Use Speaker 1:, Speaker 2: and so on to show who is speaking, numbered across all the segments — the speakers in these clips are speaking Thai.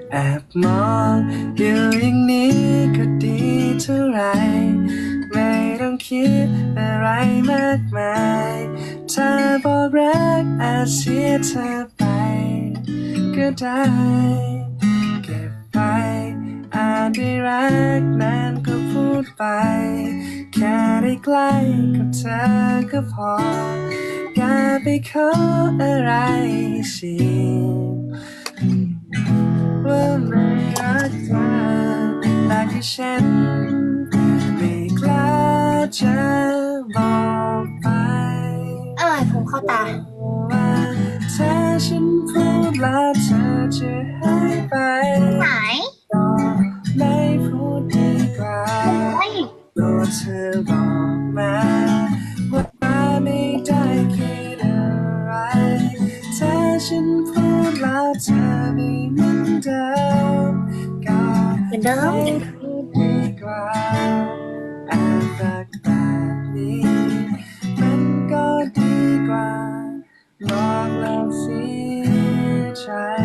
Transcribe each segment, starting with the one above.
Speaker 1: แอบมองอยู่อย่างนี้ก็ดีเท่าไรไม่ต้องคิดอะไรมากมายถ้าบอกรักอาจเสียเธอไปก็ได้เก็บไปอาจได้รักนานก็พูดไปแค่ได้ใกล้กับเธอก็พออย่าไปขออะไรสิว่าไม่รักเธอแต่ที่ฉันไม่กล้าจะบอกไป
Speaker 2: ผมเข้าตา
Speaker 1: ว่าถ้าฉันพูดแล้วเธอจะหายไป
Speaker 2: ไหน
Speaker 1: ก็ไม่พูดดีกว่าตัวเธอบอกมาว่าไม่ได้คิดอะไรถ้าฉันพูดแล้วเธอไม่เหมือนเดิมก็ไม่พูดดีกว่าแอบรักแบบนี้มันก็ดีกว่าบอกแล้วเสียใจ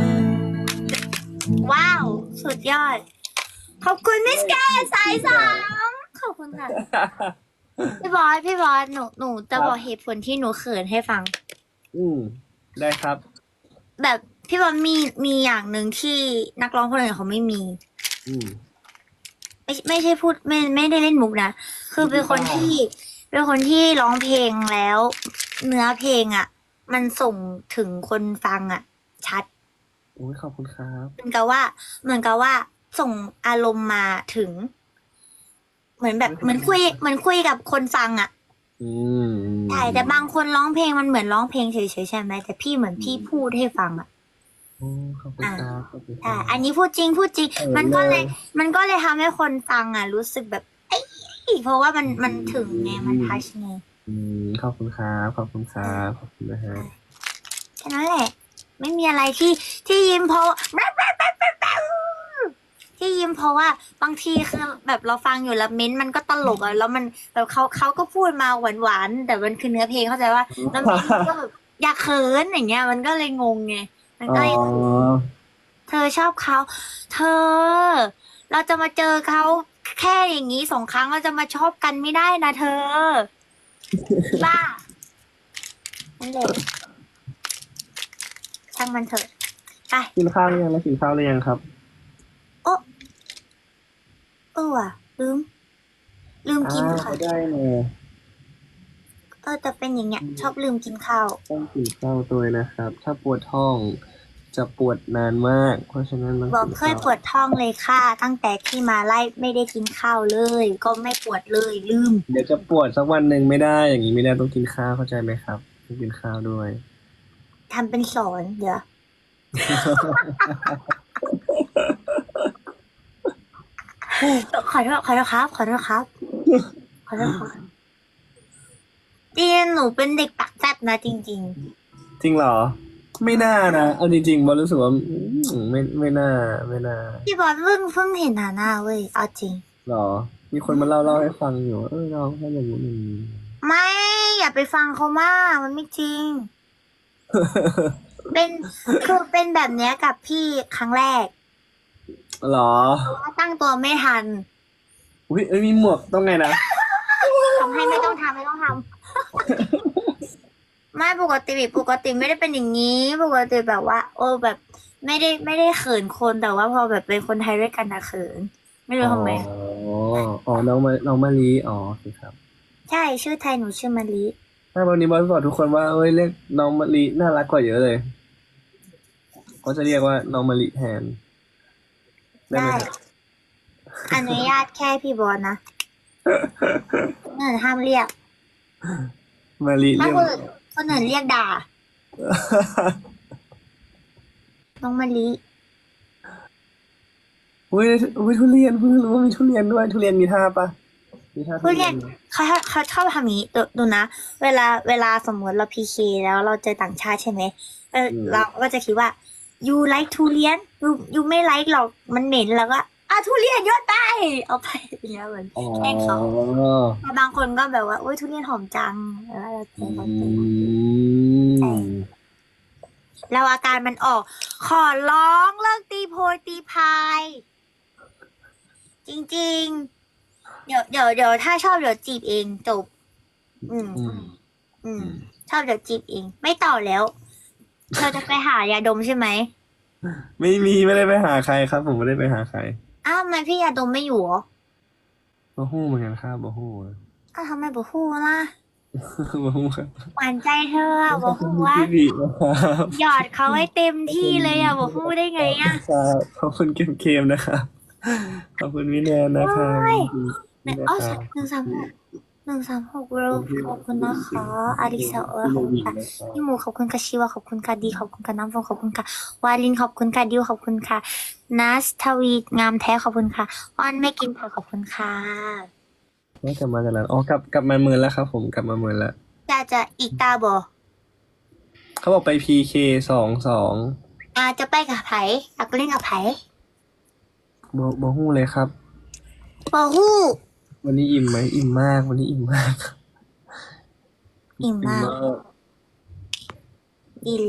Speaker 2: ว้าวสุดยอดขอบคุณมิสแกนสาย3ขอบคุณค่ะพี่บอสหนูจะบอกเหตุผลที่หนูเขินให้ฟัง
Speaker 1: ได้ครับ
Speaker 2: แบบพี่บอสมีอย่างหนึ่งที่นักร้องคนอื่นเขาไม่มีไม่ใช่พูดไม่ได้เล่นมุกนะคือเป็นคนที่ร้องเพลงแล้ว เนื้อเพลงอ่ะ มันส่งถึงคนฟังอ่ะ ชัด
Speaker 1: โอ้ยขอบคุณครับ
Speaker 2: เหมือนกับว่าส่งอารมณ์มาถึง เหมือนแบบเหมือนคุยกับคนฟังอ่ะใช่แต่บางคนร้องเพลงมันเหมือนร้องเพลงเฉยๆใช่ไหมแต่พี่เหมือนพี่พูดให้ฟังอ่ะ
Speaker 1: โอ้ขอบคุณครับขอบคุณค
Speaker 2: ใช่
Speaker 1: รับ
Speaker 2: อันนี้พูดจริงมันก็เลยทำให้คนฟังอ่ะ รู้สึกแบบเอ้ยเพราะว่ามันถึงไงมันทัชไง
Speaker 1: ขอบคุณครับขอบคุณครับขอบคุณนะฮะ
Speaker 2: แค่นั้นแหละ ไม่มีอะไรที่ยิ้มเพราะที่ยิ้มเพราะว่าบางทีคือแบบเราฟังอยู่แล้วเม้นต์มันก็ตลกอ่ะแล้วมันแบบเขาก็พูดมาหวานๆแต่มันคือเนื้อเพลงเข้าใจว่าแล้วเม้นต์มันก็แบบอยากเขินอย่างเงี้ยมันก็เลยงงไงมัน
Speaker 1: อ๋อ
Speaker 2: ก็เลยเธอชอบเขาเธอเราจะมาเจอเขาแค่อย่างนี้2 ครั้งเราจะมาชอบกันไม่ได้นะเธอบ้านั่นแหละช่างมันเถอะไป
Speaker 1: กินข้าวหรือยังแล้วกินข้าวหรือยังครับ
Speaker 2: โอ้ว่ะลืมกินค่ะ
Speaker 1: ไม่ได้เลย
Speaker 2: แต่เป็นอย่างเงี้ยชอบลืมกินข้าว
Speaker 1: ต้องกินข้าวตัวนะครับ ถ้าปวดท้องจะปวดนานมาก เพราะฉะนั้นต้อง
Speaker 2: บอก
Speaker 1: กินข้าว
Speaker 2: เคยปวดท้องเลยค่ะตั้งแต่ที่มาไล่ไม่ได้กินข้าวเลย ก็ไม่ปวดเลยลืม
Speaker 1: เดี๋ยวจะปวดสักวันหนึ่งไม่ได้ อย่างนี้ไม่ได้ต้องกินข้าวเข้าใจไหมครับต้องกินข้าวด้วย
Speaker 2: ทำเป็นสอนเดี๋ยวขอโทษครับขอโทษครับจริงหนูเป็นเด็กปากแซ่บนะจริง
Speaker 1: จริงเหรอ ไม่น่านะเอาจริงๆบอลรู้สึกว่าไม่น่าไม่น่า
Speaker 2: ๆพี่บอลเพิ่งเห็นหน้าเว้ยเอาจริง
Speaker 1: หรอ มีคนมาเล่าให้ฟังอยู่น้องเขาอย่างนี้
Speaker 2: ไม่อย่าไปฟังเขามากมันไม่จริงเป็นคือเป็นแบบเนี้ยกับพี่ครั้งแรก
Speaker 1: หรอ
Speaker 2: ว่าตั้งตัวไม่ทัน
Speaker 1: อุ้ยมีหมวกต้องไงนะ
Speaker 2: ทำให้ไม่ต้องทำไม่ปกติไม่ได้เป็นอย่างนี้ปกติแบบว่าแบบไม่ได้เขินคนแต่ว่าพอแบบเป็นคนไทยด้วยกันนะเขินไม่รู้
Speaker 1: อ๋อ
Speaker 2: ทำไม
Speaker 1: น้องมะลิอ๋อสิครับ
Speaker 2: ใช่ชื่อไทยหนูชื่อมะลิ
Speaker 1: ถ้าวันนี้บอสบอกทุกคนว่าเรียกน้องมะลิน่ารักกว่าเยอะเลยก็จะเรียกว่าน้องมะลิแทนได้ไหม
Speaker 2: ได้
Speaker 1: ครับ
Speaker 2: อนุญาตแค่พี่บอลนะคนอื่นห้ามเรียก
Speaker 1: มะลิ
Speaker 2: ถ้า
Speaker 1: เรียก
Speaker 2: คนอื่นเรียกด่าน้องมะลิ
Speaker 1: อุ้ยทุเรียนเพิ่งรู้ว่ามีทุเรียนด้วยทุเรียนมีท่าปะมีท่าทุ
Speaker 2: ผู้
Speaker 1: เรียน
Speaker 2: เรียนเขาชอบทำอย่างนี้ดูนะเวลาสมมติเราพีเคแล้วเราเจอต่างชาติใช่ไหมเราก็จะคิดว่า you like ทุเรียน you ไม่ like หรอกมันเหม็นแล้วก็ทุเรียนโยนไปเอาไปอย่างเงี้ยเหมือน
Speaker 1: อ๋อ
Speaker 2: แกล้งเขาแต่บางคนก็แบบว่าโอ้ยทุเรียนหอมจังแล้วเราเจอเขาเจอใช่แล้วอาการมันออก ขอร้องเลิกตีโพยตีพาย จริงๆ เดี๋ยวถ้าชอบเดี๋ยวจีบเองจบ อืม
Speaker 1: อืม
Speaker 2: อืม ชอบเดี๋ยวจีบเอง ไม่ต่อแล้ว เธอจะไปหายาดมใช่ไหม
Speaker 1: ไม่ได้ไปหาใครครับ ผมไม่ได้ไปหาใคร
Speaker 2: อ้าวทำไมพี่ยาดมไม่อยู่เหรอ
Speaker 1: บ่ฮู้เหมือนกันครับบ่ฮู้
Speaker 2: อ้าวทำไมบอกฮู้ล่ะ
Speaker 1: บ่ฮู้ครับ
Speaker 2: หวานใจเธออะบอกฮู้ว่า
Speaker 1: พี่บีนะครับ
Speaker 2: หยอดเขาให้เต็มที่เลยอะบอกฮู้ได้ไงอะ
Speaker 1: ครับขอบคุณเกมๆนะครับขอบคุณวิแนนนะครับ
Speaker 2: โอ้ย
Speaker 1: นี่นะ
Speaker 2: อ๋อ
Speaker 1: ครับ
Speaker 2: 136เวิลด์ขอบคุณนะคะอาริซาเออขอบคุณค่ะพี่หมูขอบคุณค่ะชิวาขอบคุณค่ะดีขอบคุณค่ะน้ำฟองขอบคุณค่ะวาลินขอบคุณค่ะดิวขอบคุณค่ะนัสทวีงามแท้ขอบคุณค่ะอ้อนไม่กินเผอขอบคุณค่ะ
Speaker 1: ไม่กลับมาจากนั้นอ๋อกลับมาเมืองแล้วครับผมกลับมาเมืองแล้ว
Speaker 2: จะอีกตาบอ
Speaker 1: เขาบอกไป PK 2-2
Speaker 2: จะไปกับไผ่อยากเล่นกับไผ่
Speaker 1: บ่ฮู้เลยครับ
Speaker 2: บอฮู้
Speaker 1: วันนี้อิ่มไหมอิ่มมาก วันนี้อิ่มมาก
Speaker 2: อิ่มมาก
Speaker 1: อิ่มมาก